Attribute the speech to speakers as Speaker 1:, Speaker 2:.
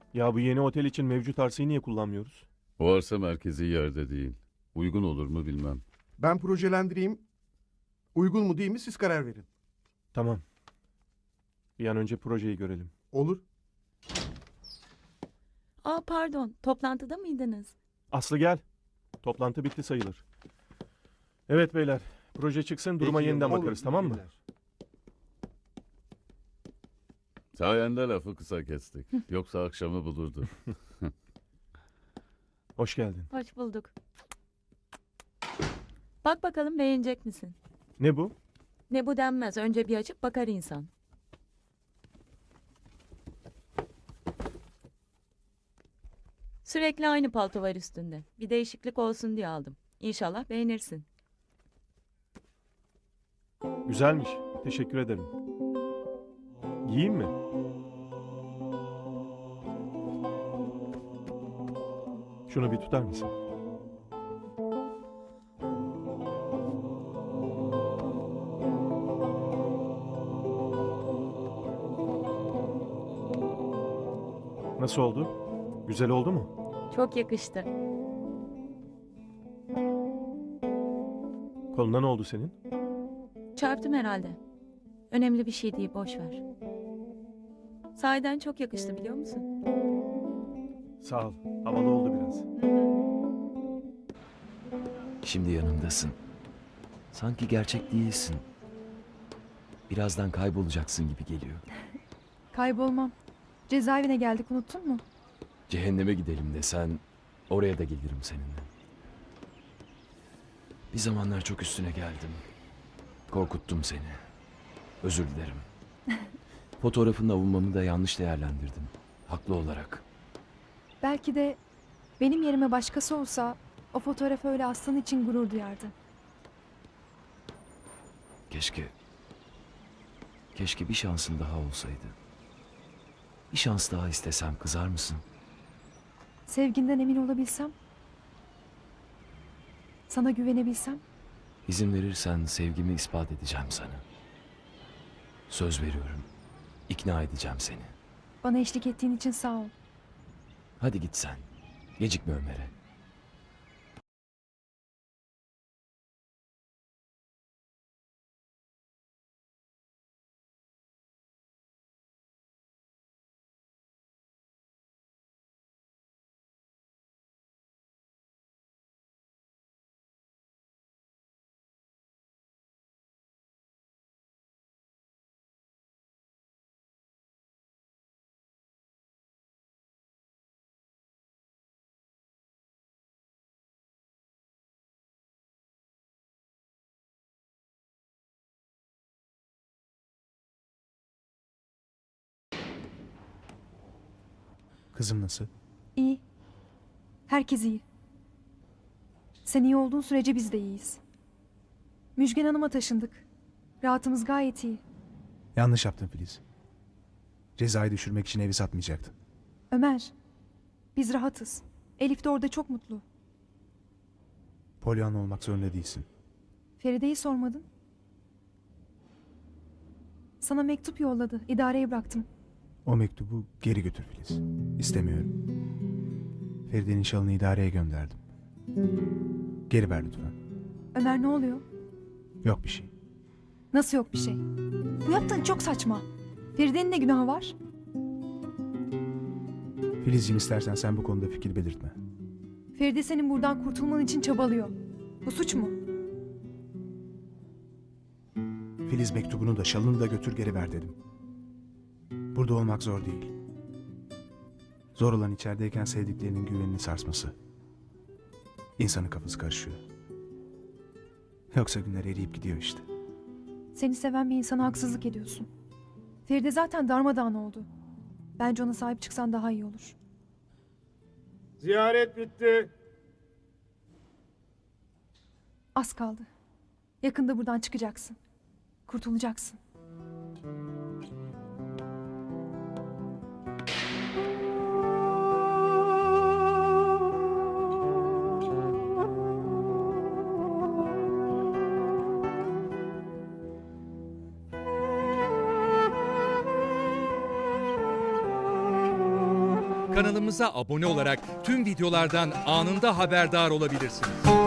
Speaker 1: Ya bu yeni otel için mevcut arsayı niye kullanmıyoruz?
Speaker 2: O arsa merkezi yerde değil. Uygun olur mu bilmem.
Speaker 3: Ben projelendireyim. Uygun mu değil mi siz karar verin.
Speaker 1: Tamam. Bir an önce projeyi görelim.
Speaker 3: Olur.
Speaker 4: Aa pardon, toplantıda mıydınız?
Speaker 1: Aslı gel. Toplantı bitti sayılır. Evet beyler. Proje çıksın duruma
Speaker 3: Peki,
Speaker 1: yeniden
Speaker 3: olur.
Speaker 1: bakarız, tamam mı?
Speaker 3: İyi
Speaker 2: Sayende lafı kısa kestik. Yoksa akşamı bulurdu.
Speaker 1: Hoş geldin.
Speaker 4: Hoş bulduk. Bak bakalım beğenecek misin?
Speaker 1: Ne bu?
Speaker 4: Ne bu denmez, önce bir açıp bakar insan. Sürekli aynı palto var üstünde. Bir değişiklik olsun diye aldım. İnşallah beğenirsin.
Speaker 1: Güzelmiş. Teşekkür ederim. Giyeyim mi? Şunu bir tutar mısın? Nasıl oldu? Güzel oldu mu?
Speaker 4: Çok yakıştı.
Speaker 1: Koluna ne oldu senin?
Speaker 4: Çarptım herhalde. Önemli bir şey değil, boş ver. Sahiden çok yakıştı biliyor musun?
Speaker 1: Sağ ol. Havalı oldu biraz.
Speaker 5: Şimdi yanımdasın. Sanki gerçek değilsin. Birazdan kaybolacaksın gibi geliyor.
Speaker 6: Kaybolmam. Cezaevine geldik, unuttun mu?
Speaker 5: Cehenneme gidelim desen oraya da gelirim seninle. Bir zamanlar çok üstüne geldim. Korkuttum seni. Özür dilerim. Fotoğrafınla avunmamı da yanlış değerlendirdim. Haklı olarak.
Speaker 6: Belki de benim yerime başkası olsa o fotoğrafı öyle aslan için gurur duyardı.
Speaker 5: Keşke bir şansın daha olsaydı. Bir şans daha istesem kızar mısın?
Speaker 6: Sevginden emin olabilsem, sana güvenebilsem.
Speaker 5: İzin verirsen sevgimi ispat edeceğim sana. Söz veriyorum. İkna edeceğim seni.
Speaker 6: Bana eşlik ettiğin için sağ ol.
Speaker 5: Hadi git sen. Gecikme Ömer'e.
Speaker 7: Kızım nasıl?
Speaker 6: İyi. Herkes iyi. Sen iyi olduğun sürece biz de iyiyiz. Müjgan Hanım'a taşındık. Rahatımız gayet iyi.
Speaker 7: Yanlış yaptın Filiz. Cezayı düşürmek için evi satmayacaktın.
Speaker 6: Ömer, biz rahatız. Elif de orada çok mutlu.
Speaker 7: Polyanlı olmak zorunda değilsin.
Speaker 6: Feride'yi sormadın. Sana mektup yolladı. İdareye bıraktım.
Speaker 7: O mektubu geri götür Filiz. İstemiyorum. Feride'nin şalını idareye gönderdim. Geri ver lütfen.
Speaker 6: Ömer ne oluyor?
Speaker 7: Yok bir şey.
Speaker 6: Nasıl yok bir şey? Bu yaptığın çok saçma. Feride'nin ne günahı var?
Speaker 7: Filizciğim istersen sen bu konuda fikir belirtme.
Speaker 6: Feride senin buradan kurtulman için çabalıyor. Bu suç mu?
Speaker 7: Filiz mektubunu da şalını da götür geri ver dedim. Burada olmak zor değil. Zor olan içerideyken sevdiklerinin güvenini sarsması. İnsanın kafası karışıyor. Yoksa günler eriyip gidiyor işte.
Speaker 6: Seni seven bir insana haksızlık ediyorsun. Feride zaten darmadağın oldu. Bence ona sahip çıksan daha iyi olur.
Speaker 3: Ziyaret bitti.
Speaker 6: Az kaldı. Yakında buradan çıkacaksın. Kurtulacaksın.
Speaker 8: Kanalımıza abone olarak tüm videolardan anında haberdar olabilirsiniz.